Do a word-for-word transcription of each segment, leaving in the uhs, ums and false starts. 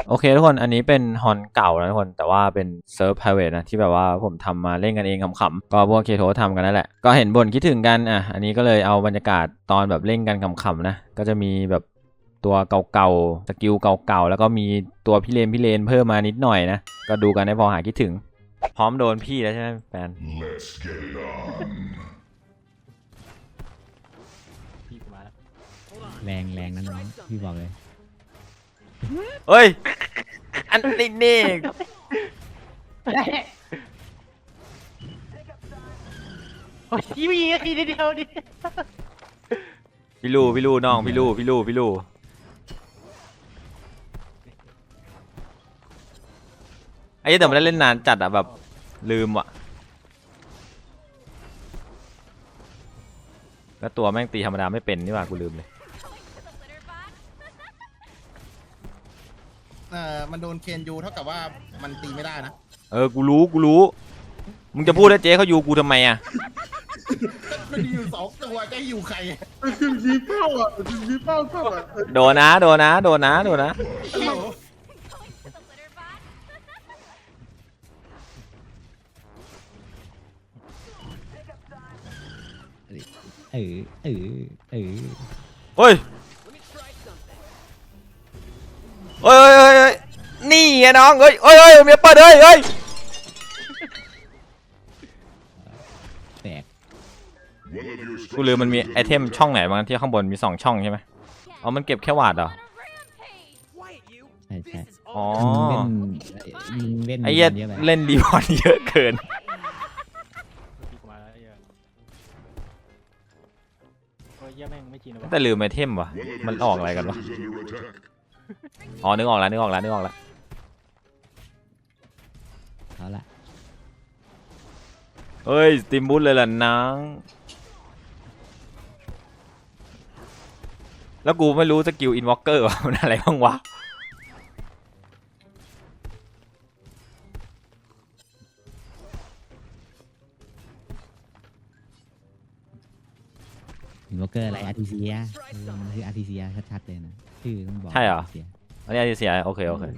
โอเคทุกคนอันนี้เป็นฮอนเก่านะทุกคนแต่ว่าเป็นเซิร์ฟ private นะที่แบบว่าผมทำมาเล่นกันเองขำๆก็พวกเคโททำกันนั่นแหละก็เห็นบ่นคิดถึงกันอ่ะอันนี้ก็เลยเอาบรรยากาศตอนแบบเล่นกันขำๆนะก็จะมีแบบตัวเก่าๆสกิลเก่าๆแล้วก็มีตัวพี่เลนพี่เลนเพิ่มมานิดหน่อยนะก็ดูกันให้พอหาคิดถึงพร้อมโดนพี่แล้วใช่ไหมแฟนแรงแรงนะน้องพี่บอกเลยเฮ้ยอันนี้นี่โอ้ยพี่มีทีเดียวดิพี่ลูพี่ลูน้องพี่ลูพี่ลูพี่ลูไอ้แต่ไม่ได้เล่นนานจัดอะแบบลืมว่ะแล้วตัวแม่งตีธรรมดาไม่เป็นนี่หว่ากูลืมเลยเออมันโดนเคนยูเท่ากับว่ามันตีไม่ได้นะเออกูรู้กูรู้มึงจะพูดให้เจ๊เขาอยู่กูทำไมอะมันมีอยู่สองตัวจะให้อยู่ใครคือชี้เป้าอ่ะคือชี้เป้าเป้าอ่ะโดนนะโดนนะโดนนะโดนนะเออเออเออเฮ้ยเฮ้ยเฮ้ยเฮ้ยนี่ไงน้องเฮ้ยเฮ้ยเฮ้ยเมียเปิดเฮ้ยเฮ้ยแตกกูลืมมันมีไอเทมช่องไหนบ้างที่ข้างบนมีสองช่องใช่ไหมอ๋อมันเก็บแค่วาดเหรอใช่ใช่อ๋อเล่นไอ้เหี้ยเล่นดีบอลเยอะเกินแต่ลืมไอเทมวะมันออกอะไรกันวะอ๋อนึกออกแล้วนึกออกแล้วนึกออกแล้วเอาละเฮ้ยสติมบูทเลยล่ะนังแล้วกูไม่รู้สกิลอินวอล์กเกอร์ว่ามันอะไรบ้างวะอินวอล์กเกอร์อะไรอาร์ติเซียมันคืออาร์ติเซียชัดๆเลยนะชื่อต้องบอกใช่เหรออันนี้อาร์ติเซียโอเคโอเค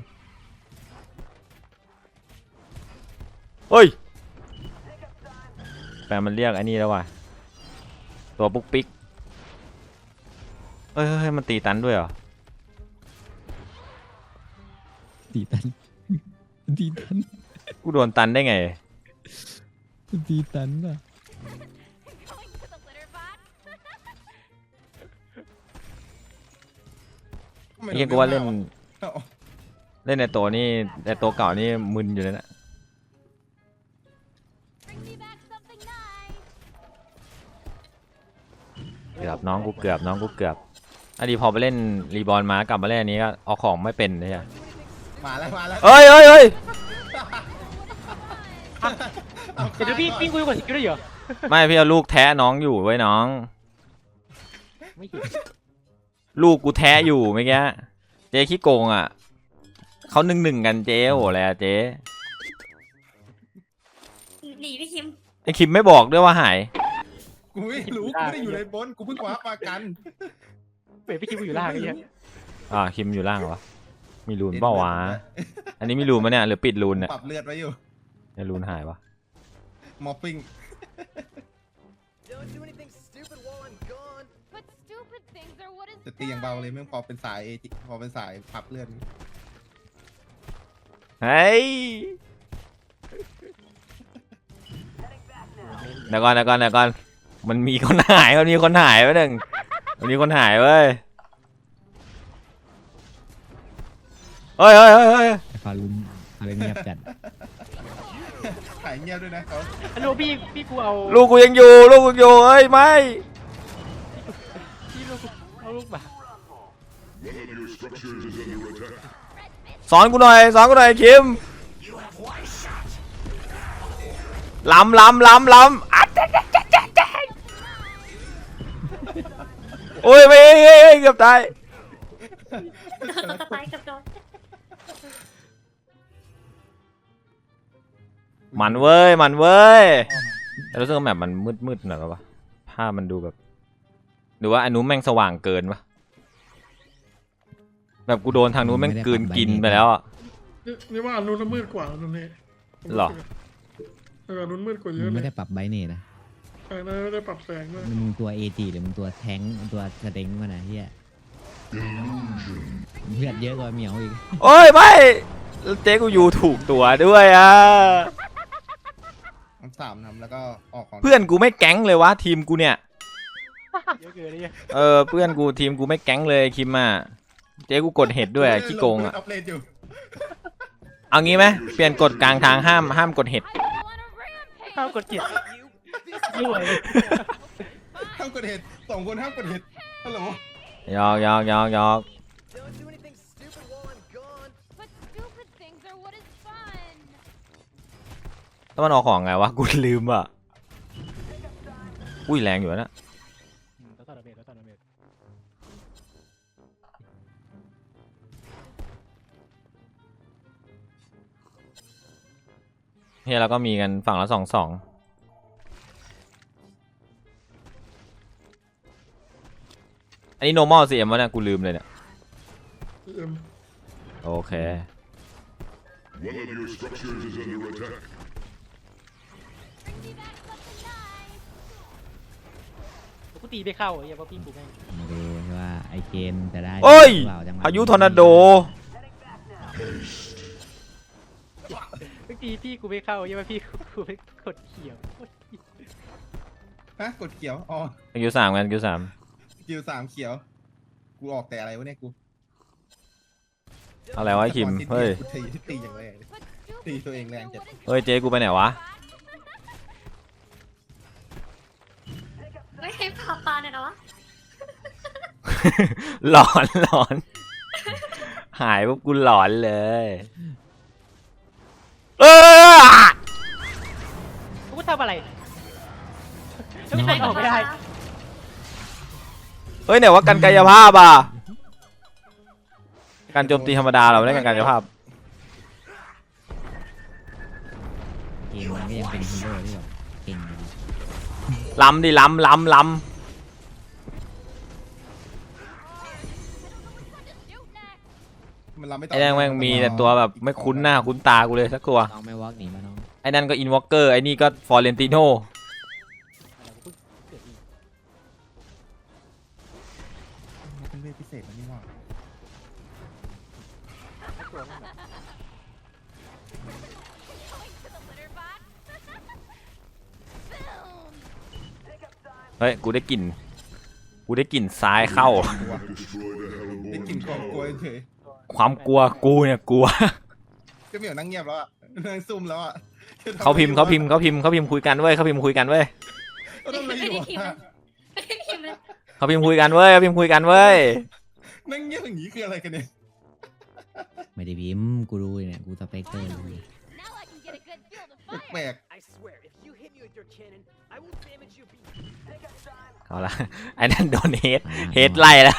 เฮ้ยแฟนมันเรียกไอ้นี่แล้วว่ะตัวปุ๊กปิ๊กเฮ้ยเฮ้ยมันตีตันด้วยเหรอตีตันตีตันกูโดนตันได้ไงตีตันอ่ะเรียกว่าเล่นเล่นในตัวนี่ในตัวเก่านี่มึนอยู่เลยนะเกือบน้องกูเกือบน้องกูเกือบอันนี้พอไปเล่นรีบอลมากลับมาเล่นอันนี้ก็เอาของไม่เป็นเลยอะมาแล้วมาแล้วเฮ้ยเฮ้ยเฮ้ยเดี๋ยวพี่พี่คุยกับสกิลได้เหรอไม่พี่เอาลูกแท้น้องอยู่ไว้น้องไม่เห็นลูกกูแท้อยู่เมื่อกี้เจ๊ขี้โกงอ่ะเขาหนึ่งหนึ่งกันเจ๊โหอะไรอะเจ๊หนีพี่คิมไอคิมไม่บอกด้วยว่าหายกูไม่รู้กูไม่ได้อยู่ในบนกูเพิ่งคว้าปากันเปิดพี่คิมอยู่ล่างไอ้เหี้ยอ่าคิมอยู่ล่างเหรอมีรูนเปล่าวะอันนี้มีรูนมั้ยเนี่ยหรือปิดรูนเนี่ยปรับเลือดไว้อยู่เนี่ยรูนหายวะมอฟฟิ้งจะตีอย่างเบาเลยไม่พอเป็นสายพอเป็นสายพับเลือดเฮ้ยเดี๋ยวก่อนเดี๋ยวก่อนเดี๋ยวก่อนมันมีคนหายมันมีคนหายไว้หนึ่งมันมีคนหายเว้ยเฮ้ยเฮ้ยเฮ้ยเฮ้ยฟารุนอะไรเงียบจัดหายเงียบด้วยนะเขาฮัลโหลพี่พี่กูเอาลูกกูยังอยู่ลูกกูอยู่เฮ้ยไม่พี่ลูกเอาลูกมาสอนกูหน่อยสอนกูหน่อยคิมล้ำล้ำล้ำล้ำอัดโอ้ยไม่เกือบตายมันเว้ยมันเว้ยแต่รู้สึกว่าแบบมันมืดมืดหน่อยป่ะภาพมันดูแบบหรือว่าอันนู้นแม่งสว่างเกินปะแบบกูโดนทางนู้นแม่งกลืนกินไปแล้วอ่ะนี่นี่ว่าอันนู้นมืดกว่าอันนู้นนี่หรอเอออันนู้นมืดกว่าเยมึอะงเลไม่ยได้ปรับไบเนตนะใช่นะไม่ได้ปรับแสงด้วยมึงตัวเอจีหรือมึงตัวแทงค์ตัวสเต็งมานะเฮียเลือดเยอะกว่าเหมียวอีกโอ้ยไม่แล้วเจ๊กูอยู่ถูกตัวด้วยอ่ะทำสามทำแล้วก็ออกของเพื่อนกูไม่แก๊งเลยวะทีมกูเนี่ยเยอะเกินเลยเออเพื่อนกูทีมกูไม่แก๊งเลยคิมอ่ะเจ๊กูกดเห็ดด้วยอะขี้โกงอ่ะอัพเลนอยู่เอางี้ไหมเปลี่ยนกฎกลางทางห้ามห้ามกดเห็ดข้าวกดเกียร์ด้วยห้ามกดเห็ดสองคนห้ามกดเห็ดฮัลโหลยอกยอกยอกยอก Don't do anything stupid while I'm gone. But stupid things are what is fun. ต้องมันออกของไงวะกูลืมอ่ะอุ้ยแรงอยู่นะแล้วต่อระเบิดแล้วต่อระเบิดเฮียเราก็มีกันฝั่งละสองสองอันนี้ normal ซี เอ็ม วะเนี่ยกูลืมเลยเนี่ยเอ็มโอเค One of your structures is under attack. Bring me back something nice. กูตีไม่เข้าไอ้เหี้ยเพราะพี่กูแม่งมาดูว่าไอเกมจะได้โอ้ยหรือเปล่จังหวะพายุทอร์นาโดเมื่อกี้พี่กูไม่เข้าไอ้เหี้ยเพราะพี่กูไม่กดเขียวฮะกดเขียวอ๋อคิวสามกันคิวสามคิวสามเขียว กูออกแต่อะไรวะเนี่ยกูอะไรวะไอ้คิมเฮ้ยกูตีตีอย่างแรงเลย But Đi stupid tụi em things làm are chật. what is เฮ้ยเจ๊กูไปไหนวะไม่ให้พาปลาเนี่ยนะวะหลอนหลอน หายปุ๊บกูหลอนเลยเออกูทำอะไรแล้วไม่ออกไม่ได้เฮ้ยไหนว่ากันกายภาพอ่ะการโจมตีธรรมดาเราไม่ได้กันกายภาพเกมมันก็ยังเป็นฮีโร่ที่แบบเก่งอยู่ดีล้ำดิล้ำล้ำล้ fun to shoot next. มันรับไม่ำต่ไอ้นั่นแม่งมีแต่ตัวแบบไม่คุ้นหน้าคุ้นตากูเลยสักตัวน้องไม่วอล์กหนีมาน้องไอ้นั่นก็อินวอล์กเกอร์ไอ้นี่ก็ฟอร์เรนติโนเป็นเวทพิเศษมันนี่ว่า Going to the litter box. Boom. เฮ้ยกูได้กลิ่นกูได้กลิ่นซ้ายเข้า Destroy the ได้ Hellborn กลิ่นความกลัว Tower. เฉยความกลัวกูเนี่ยกลัวก็เหมียวนั่งเงียบแล้วอ่ะนั่งซุ่มแล้วอ่ะเขาพิมพ์เขาพิมพ์เขาพิมพ์เขาพิมพ์คุยกันเว้ยเขาพิมพ์คุยกันเว้ยเขาทำอะไรอยู่ไม่ได้พิมพ์อะไม่ได้พิมพ์เลยเขาพิมพ์คุยกันเว้ยเขาพิมพ์คุยกันเว้ยนั่งเงียบอย่างนี้คืออะไรกันเนี่ยไม่ได้พิมพ์กูรู้เลยเนี่ยกูสเปกเตอร์เลย Now I can get a good feel to แปล fire. ก I swear, if you hit me with your cannon, I will damage you. Be- เอาละไอ้นั่นโดนเฮดเฮดไล่แล้ว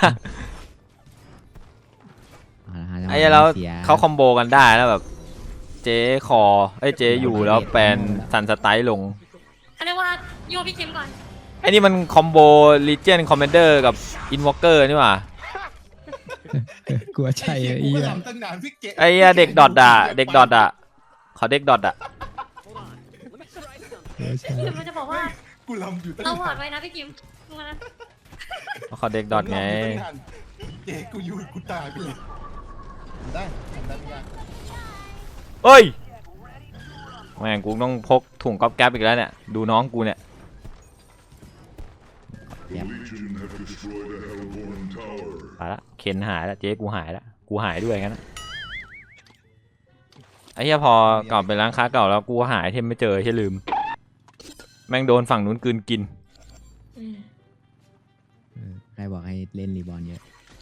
เอาละฮะจังหวะไอ้เราเสียเขาคอมโบกันได้แล้วแบบ เจ๊คอไอ้ยเจ๊อยู่แล้วแปลนสันสไตล์ลงเขาเรียกว่าโยพี่คิมก่อนไอ้นี่มันคอมโบลีเจียนคอมเมนเดอร์กับอินวอล์กเกอร์นี่หว่ากลัวใช่ไอ้ไอ้เหี้เหี้ยยกูก็ทำตั้งนานพี่เกไอ้เหี้ยเด็กดอทอะเด็กดอทอะขอเด็กดอทอะ Hold on. Let me try something. กลัวใช่เดี๋ยวมันจะบอกว่ากูลำอยู่ตั้งเรานานหวอดไว้นะพี่คิมมานะขอเด็กดอทไงลำยู่ตั้นานเจ๊กูอยู่กูตายไปเลยได้ทำได้ไม่ยากเฮ้ยแม่งกูต้องพกถุงก๊อบแก๊บอีกแล้วเนี่ยดูน้องกูเนี่ย The Legion have destroyed a Hellborn Tower. ไปละเคนหายละเจ๊กูหายละกูหายด้วยงั้นนะไอ้เหี้ยพอกลับไปร้านค้าเก่าแล้วกูหายเทมไม่เจอใช่ลืม แม่งโดนฝั่งนู้นกลืนกินเออใครบอกให้เล่นรีบอลเยอะ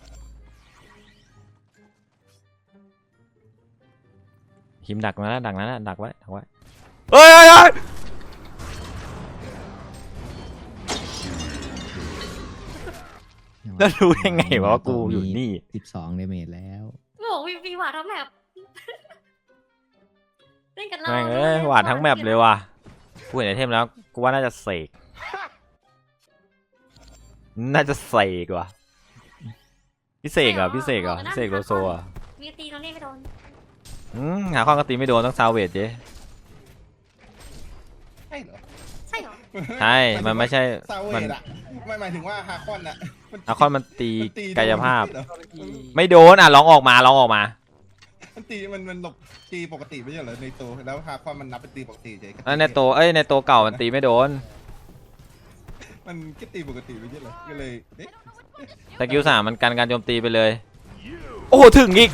คิมดักมาแล้วดักนั้นนะดักไว้ดักไว้เฮ้ยเฮ้ยเฮ้ยแล้วรู้ได้ไงวะว่ากูอยู่นี่สิบสองเดเมจแล้วบอกวีวีหวาดทั้งแมปเล่นกันเราแม่งเอ้ยหวาดทั้งแมปเลยว่ะกูเห็นไอเทมแล้วกูว่าน่าจะเสกน่าจะเสกว่ะพิเศษเหรอพิเศษเหรอพิเศษโลโซอ่ะมีตีตรงนี้ไม่โดนอืมหาข้อก็ตีไม่โดนต้องซาวเวทเจ๊ใช่เหรอใช่เหรอใช่มันไม่ใช่ซาเวมันดอะไม่หมายถึงว่าฮาคอนอะมันอาคอนมันตีมันตีโดนกายภาพเหรอไม่โดนอ่ะลองออกมาลองออกมามันตีมันมันหลบตีปกติไม่ใช่เหรอในตัวแล้วฮาคอนมันนับเป็นตีปกติเฉยแล้วในตัวเอ้ยในตัวเก่ามันตีไม่โดนมันก็ตีปกติไม่ใช่เหรอก็เลยเอ๊ะสกิลสามมันกันการโจมตีไปเลย โอ้โหถึงอีก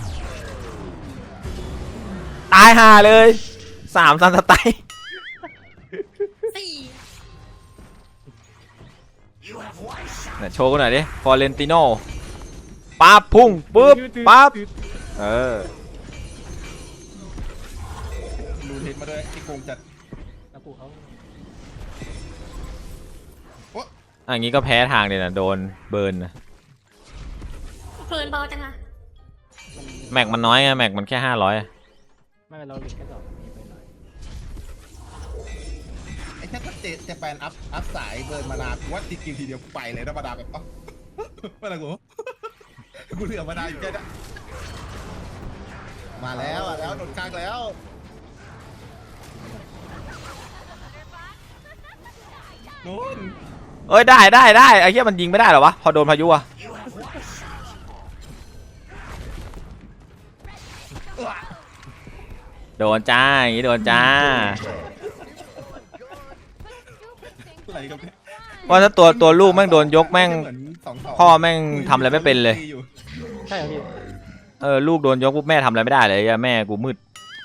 ตายห่าเลยสามซันสไตล์สี่เนี่ยโชว์กันหน่อยดิฟอเรนติโน่ปั๊บพุ่งปุ๊บปั๊บเออรูเทนมาด้วยไอ้โกงจัดแล้วกูเขาอะอย่างงี้ก็แพ้ทางเลยนะโดนเบิร์นนะเพลินเบาจังอะแม็กมันน้อยไงแม็กมันแค่ห้าร้อยไม่เป็นเราหลุดแค่สองมีไปหน่อยไอ้แค่ถ้าเจเจแปนอัพอัพสายเบิร์นมานากูว่าตีกิวทีเดียวกูไปเลยนะมาดาแบบเอ้ามาละกูกูเหลือมาดาอยู่แค่นี้มาแล้วอ่ะแล้วโดนกลางแล้ว โน่นเอ้ยได้ได้ได้ไอ้เหี้ยมันยิงไม่ได้เหรอวะพอโดนพายุอะโดนจ้าอย่างงี้โดนจ้าอะไรกันเนี่ยว่าถ้าตัวตัวลูกแม่งโดนยกแม่งเหมือนสองสองพ่อแม่งทำอะไรไม่เป็นเลยใช่เหรอพี่เออลูกโดนยกปุ๊บแม่ทำอะไรไม่ได้เลยอะแม่กูมืด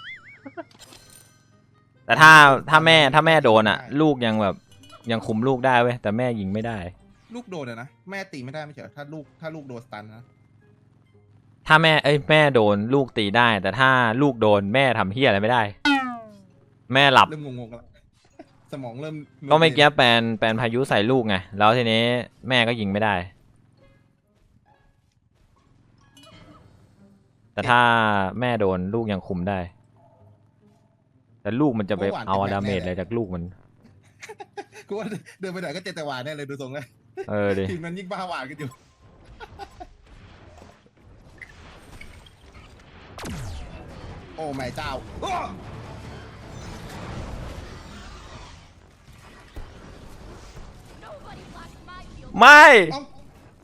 แต่ถ้าถ้าแม่ถ้าแม่โดนอะลูกยังแบบยังคุมลูกได้เว้ยแต่แม่ยิงไม่ได้ลูกโดนอะนะแม่ตีไม่ได้ไม่ใช่เหรอถ้าลูกถ้าลูกโดนสตันนะถ้าแม่เอ้ยแม่โดนลูกตีได้ แต่ถ้าลูกโดนแม่ทำเฮียอะไรไม่ได้ แม่หลับเริ่มงงๆแล้วสมองเริ่มก็ไม่เกี้ยแปลนแปลนพายุใส่ลูกไงแล้วทีนี้แม่ก็ยิงไม่ได้ แต่ถ้าแม่โดนลูกยังคุมได้ แต่ลูกมันจะไปเอาดาเมจอะไรจากลูกมันกูว่าเดินไปไหนก็เจตวานแน่เลยดูทรงเลยเออดิทีมนั้นยิ่งบ้าหวานกันอยู่โอ้แม่เจ้าอ้อ Nobody blocks my field. ไม่เอ้า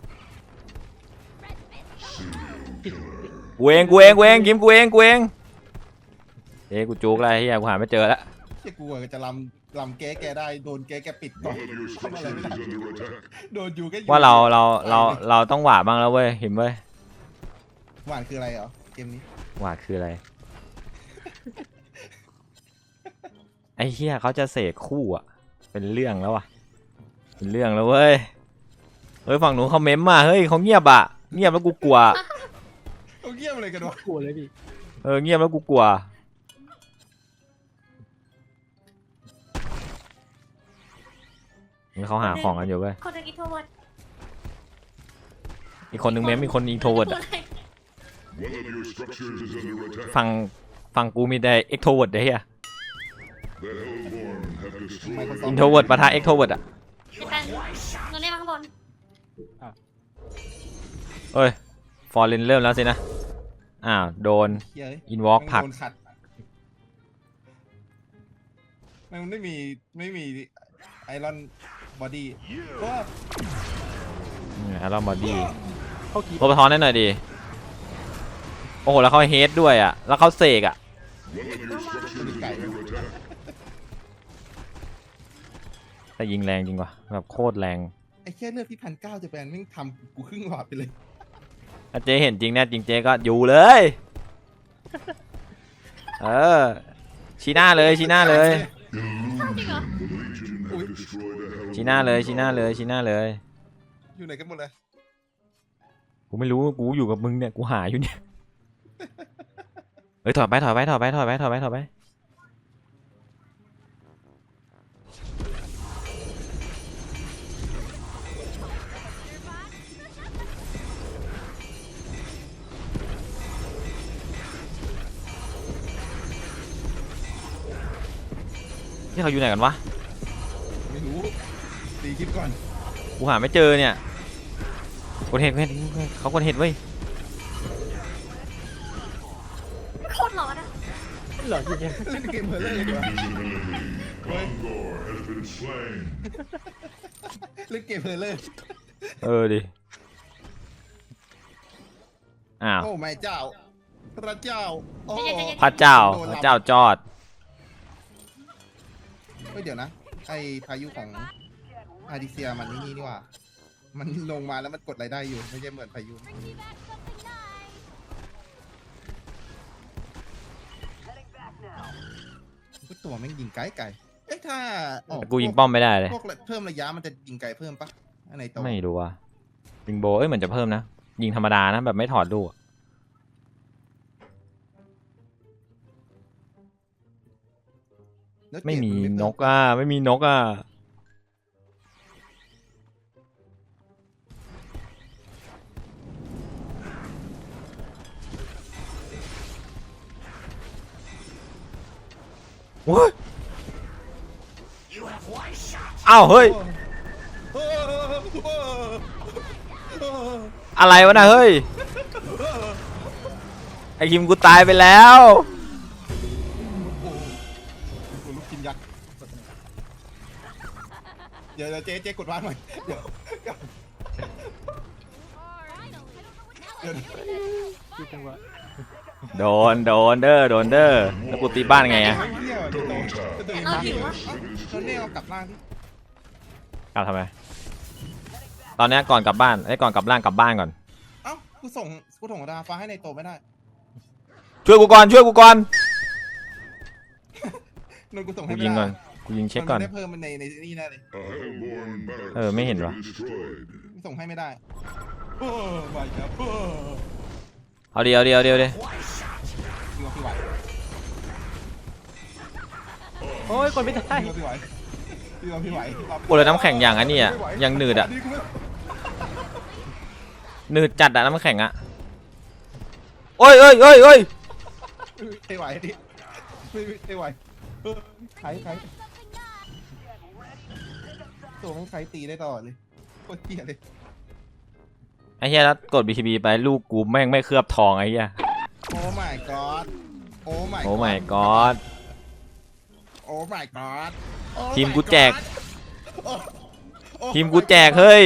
Red fist. กูเองกูเองกูเองกิมกูเองกูเองเอ้ยกูจุกอะไรเฮียกูหาไม่เจอแล้วเชี่ยกูอะจะลำลำแก้แกได้โดนแกแกปิดก่อน One of your ทำอะไร structures ไม่ได้ is under attack. โดนอยู่ก็อยู่ว่าเราเราเราเราต้องหวาดบ้างแล้วเว้ยเห็นเว้ยหวานคืออะไรเหรอเกมนี้หวาดคืออะไร ไอ้เฮียเขาจะเสกคู่อ่ะ เป็นเรื่องแล้วว่ะเป็นเรื่องแล้วเว้ยเฮ้ยฝั่งหนูเขาเม้มมาเฮ้ยเขาเงียบอ่ะเงียบแล้วกูกลัวเอาเยี่ยมอะไรกันวะกลัวเลยพี่เออเงียบแล้วกูกลัวนี่เขาหาของกันอยู่เว้ยคนตะกี้โทรวัดอีกคนนึงเม้มอีกคนอินโทรเวิร์ดพูอ่ะดอะไร One of your structures is under attack. ฝั่งฝั่งกูมีแต่เอ็กโทรเวิร์ดเฮีย The Hellborn have destroyed อินโทรเวิร์ดปะทะเอ็กโทรเวิร์ดอ่ะจะเป็นโดนได้มาข้างบนเอ้ยฟอร์เรนเริ่มแล้วสินะอ้าวโดนเฮ้ยอินวอล์กผลักโดนขัดมันไม่มีไม่มีไอรอนบอดี้ก็แอรอนบอดี้เข้ากีโรบอทอนได้หน่อยดิโอ้โหแล้วเขาเฮดด้วยอ่ะแล้วเขาเสกอ่ะ one of your structures is under attack. แต่ยิงแรงจริงว่ะแบบโคตรแรงไอ้แค่เลือดที่พันเก้าจะแปลนแม่งทำกูครึ่งหลอดไปเลยถ้าเจ๊เห็นจริงแน่จริงเจ๊ก็อยู่เลย เออชี้หน้าเลยชี้หน้าเลยจริงเหรอ The Legion have destroyed a Hellborn. ชี้หน้าเลยชี้หน้าเลยชี้หน้าเลยอยู่ไหนกันหมดเลยกูไม่รู้กูอยู่กับมึงเนี่ยกูหาอยู่เนี่ยเฮ้ยถอยไปถอยไปถอยไปถอยไปถอยไปถอยไปนี่เขาอยู่ไหนกันวะไม่รู้ตีคลิปก่อนกูหาไม่เจอเนี่ยกดเห็ดกดเห็ดเขากดเห็ดเว้ยหลอนจริงเล่นเกมเพลเลอร์ดีกว่า Gongor has been slain. เล่นเกมเพลเลอร์เออดิอ้าวโอ้ไม่เจ้า พระเจ้าโอ้พระเจ้าพระเจ้าจอดเฮ้ยเดี๋ยวนะไอพายุของอาดิเซียมันนี่นี่ว่า มันลงมาแล้วมันกดรายได้อยู่ไม่ใช่เหมือนพายุ Bring me back something nice. กูตัวแม่งยิงไกลไกลเอ๊ะถ้าออกแต่กูยิงป้อมไม่ได้เลยพวกเพิ่มระยะมันจะยิงไกลเพิ่มปะอันไหนตัวไม่รู้ว่าบิงโบเอ้ยเหมือนจะเพิ่มนะ ยิงธรรมดานะแบบไม่ถอดลูกอะไม่มีนกอ่ะไม่มีนกอ่ะโอ้ยอ้าวเฮ้ยโอ้โหอะไรวะนะเฮ้ย ไอคิมกูตายไปแล้วกูลูกกินยักษ์เดี๋ยวเดี๋ยวเจ๊เจ๊กดวางหน่อยเดี๋ยว Finally. I don't know what now I can get it. ๆจังหวะโดนโดนเด้อโดนเด้อแล้วกูตีบ้านไงอะเที่ยวเดี๋ยวโตจะตื่นเอามาหิววะตอนนี้เอากลับล่างที่กลับทำไม ตอนเนี้ยก่อนกลับบ้านไอ้ยก่อนกลับร่างกลับบ้านก่อนเอ้ากูส่งกูส่งดาฟ้าให้ในโตไม่ได้ช่วยกูก่อนช่วยกูก่อนนนกูส่งให้กูไม่ยิงได้ก่อนกูยิงเช็คก่อนมันได้เพิ่มมันในในนี่แน่เลย A Hellborn barracks Ờ, mấy hình has rồi. been destroyed. กูส่งให้ไม่ได้โอ้ไม่ครับโอ้เอาเดียวเดียวเดียวเดียวยิงเอาพี่ไหวโอ้ยคนไม่ได้ยิงเอาพี่ไหวยิงเอาพี่ไหวโอ้เลยน้ำแข็งอย่างอันนี้อ่ะยังหนืดอ่ะกูไม่หนืดจัดอ่ะน้ำแข็งอ่ะโอ้ยเอ้ยเอ้ยเอ้ยไม่ไหวดิไม่ไม่ไหวเออไขไขตัวมันไขตีได้ตลอดเลยโคตรเหี้ยเลยไอ้เหี้ยแล้วกด บี ที บี ไปลูกกูแม่งไม่เคลือบทองไอ้เหี้ยโอ้ my god โอ้ my โอ้ my god โอ้ my god โอ้ทีม my กูแจก god โอ้โอ้ทีมกูแจกเฮ้ย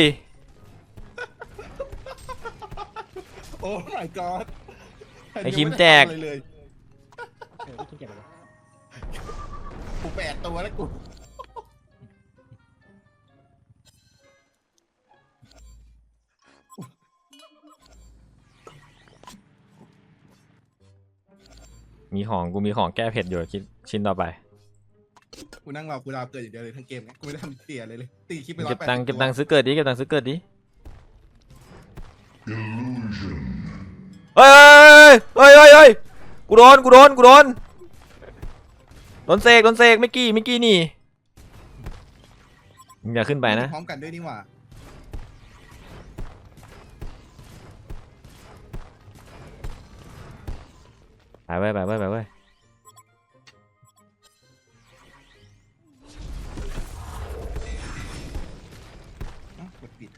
โอ้ my god ไอ้ทีมแจกเลยเลยเออไม่คิดเก็บอะไรกูแปดตัวแล้วกูมีของกูมีของแก้เผ็ดอยู่คิดชิ้นต่อไปกูนั่งรอกูดาวเกิดอย่างเดียวเลยทั้งเกมไงกูไม่ได้ทำเสียเลยเลยตีคลิปไปร้อเก็ยบแปดตังค์เก็บตังค์ซื้อเกิดดิเก็บตังค์ซื้อเกิดดิ Illusion. เฮ้ยเฮ้ยเฮ้ยเฮ้ยกูโดนกูโดนกูโดนโดนเสกโดนเสกไม่กี้ไม่กี้นี่มึงอย่าขึ้นไปนะพร้อมกันด้วยนี่หว่าไปเว้ยไปเว้ยไปเว้ยเอ้ากดปิด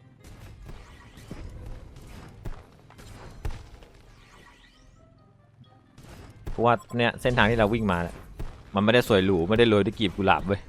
เพราะว่าเนี่ยเส้นทางที่เราวิ่งมาเนี่ยมันไม่ได้สวยหรูไม่ได้โรยด้วยกลีบกุหลาบเว้ย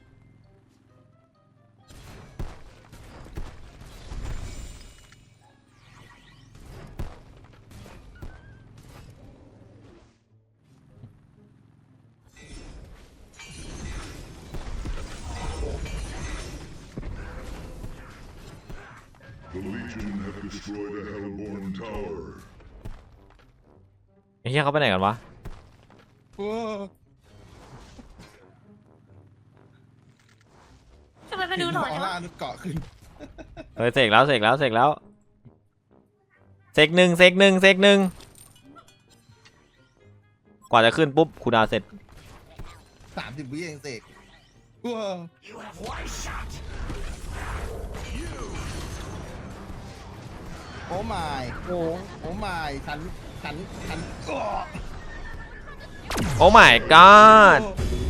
The Legion have destroyed a Hellborn tower. ไอ้เหี้ยเขาไปไหนกันวะโอ้ทำไมมาดูหน่อยออวะร่านุดเกาะขึ้นเฮ้ยเสกแล้วเสกแล้วเสกแล้วเสกหนึ่งเสกหนึ่งเสกหนึ่งกว่าจะขึ้นปุ๊บคูลดาวน์เสร็จสามสิบวิเองเสกว้าวโอ้ my โอ้โอ้ my ฉันฉันฉันโอ้โอ้ my god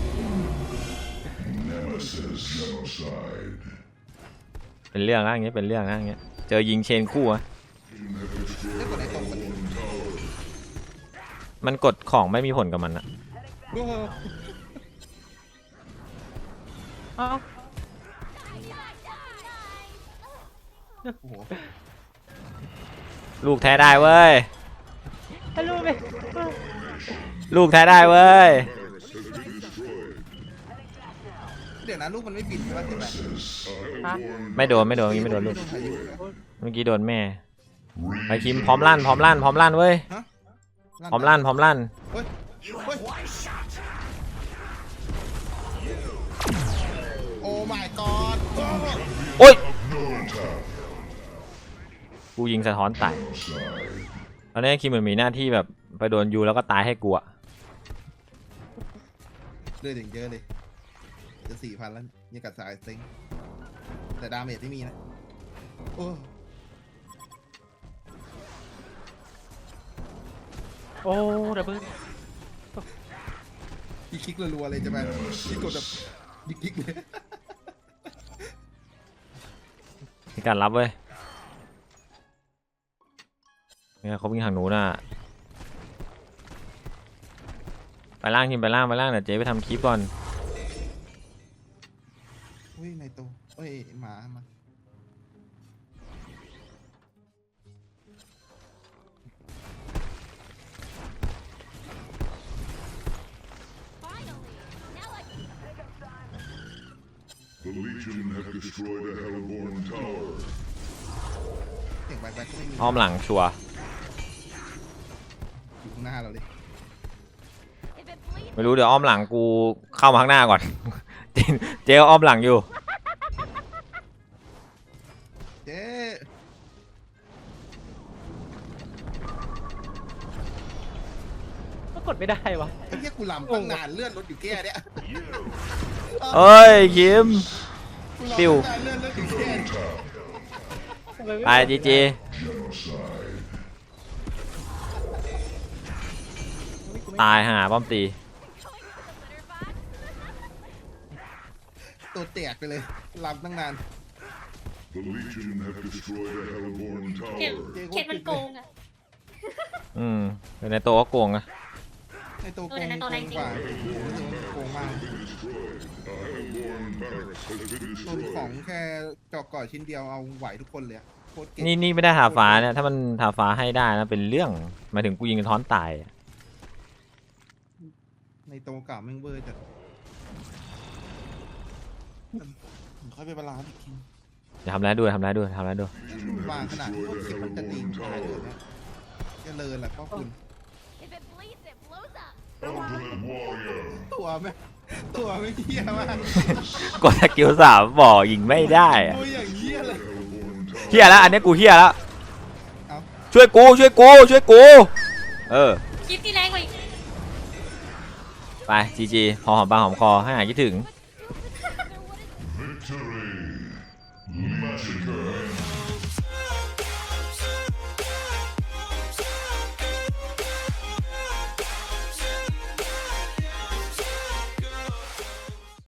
Nemesis genocide. เป็นเรื่องนะอย่างเงี้ยเป็นเรื่องนะอย่างเงี้ยเจอยิงเชนคู่อะ Legion have destroyed ได้กดไหน a ตรงกัน Hellborn tower. มันกดของไม่มีผลกับมันอะ The โอ้โหเอ้าโอ้โหลูกแท้ได้เว้ยให้ลูกไปลูกแท้ได้เว้ยเดี๋ยวนะลูกมันไม่บินใช่ไหมที่แบบฮะไม่โดนไม่โดนเมื่อกี้ไม่โดนลูกพายุเมื่อกี้โดนแม่ไปคิมพร้อมลั่นพร้อมลั่นพร้อมลั่นเว้ยฮะพร้อมลั่นพร้อมลั่นเฮ้ยเฮ้ยโอ้ my god โอ้ยกูยิงสะท้อนตายตอนนี้คิมเหมือนมีหน้าที่แบบไปโดนยูแล้วก็ตายให้กูอะเลือดอย่างเยอะเลยจะสี่พันแล้วยังกัดสายเซ็งแต่ดาเมจไม่มีนะโอ้โอ้ดับเบิ้ลยิงคลิกรัวๆเลยจะมายิงกดแบบยิงคลิกเลยมีการรับเว้ยเนี่ยเขาวิ่งทางหนูน่ะไปล่างคิมไปล่างไปล่างเดี๋ยวเจ๊ไปทำคลิปก่อนเฮ้ยในตัวเฮ้ยหมามา The Legion have destroyed a Hellborn tower. เสียงแบกๆก็ไม่มีอ้อมหลังชัวร์อยู่ข้างหน้าเราเลย If it bleeds, ไม่รู้เดี๋ยวอ้อมหลังกูเข้ามาข้างหน้าก่อน เจ๊เจ๊อ้อมหลังอยู่เจ๊ก็กดไม่ได้วะไอ้เหี้ยกูลำตั้งนานเลื่อนรถอยู่แก้เนี่ยเอ้ยคิมกูลำปิ้วตั้งนานเลื่อนรถอยู่แก้เนี่ยทำไมไม่ไปจีจีตายหาป้อมตีตัวแตกไปเลยลำตั้งนาน The Legion have destroyed a Hellborn เข็ด tower. เข็ดมันโกงอะอืมในโตะก็โกงอะในตัวโกเออง ในตัวโกแรงงจริงกว่าผมรู้สึกว่ามันโกงมาก A Hellborn barracks has been ตัวของ destroyed. แค่จอกก่อชิ้นเดียวเอาไหวทุกคนเลยอะโคตรเก่งนี่นี่ไม่ได้ทาฟ้าเนี่ยถ้ามันทาฟ้าให้ได้นะเป็นเรื่องหมายถึงกูยิงกระท้อนตายอะในตัวเก่าแม่งเวอร์จัดผมค่อยไปบาลานซ์อีกทีอย่าทำร้ายด้วยทำร้ายด้วยทำร้ายด้วยวางขนาดพวกสิบมันจะตีตายเลยเนี่ยจะเลินแหละพ่อคุณ if it bleeds, it blows up. Ultimate Warrior. ตัวแม่ตัวไม่เหี้ยมากกดสกิลสามบอกยิงไม่ได้อะตัวอย่างเหี้ยเลย Hellborn tower. เฮียแล้วอันนี้กูเฮียแล้วเอ้าช่วยกูช่วยกูช่วยกูเออคลิปที่แรงกว่าอีกไปจีจีพอหอมปากหอมคอให้หายคิดถึง But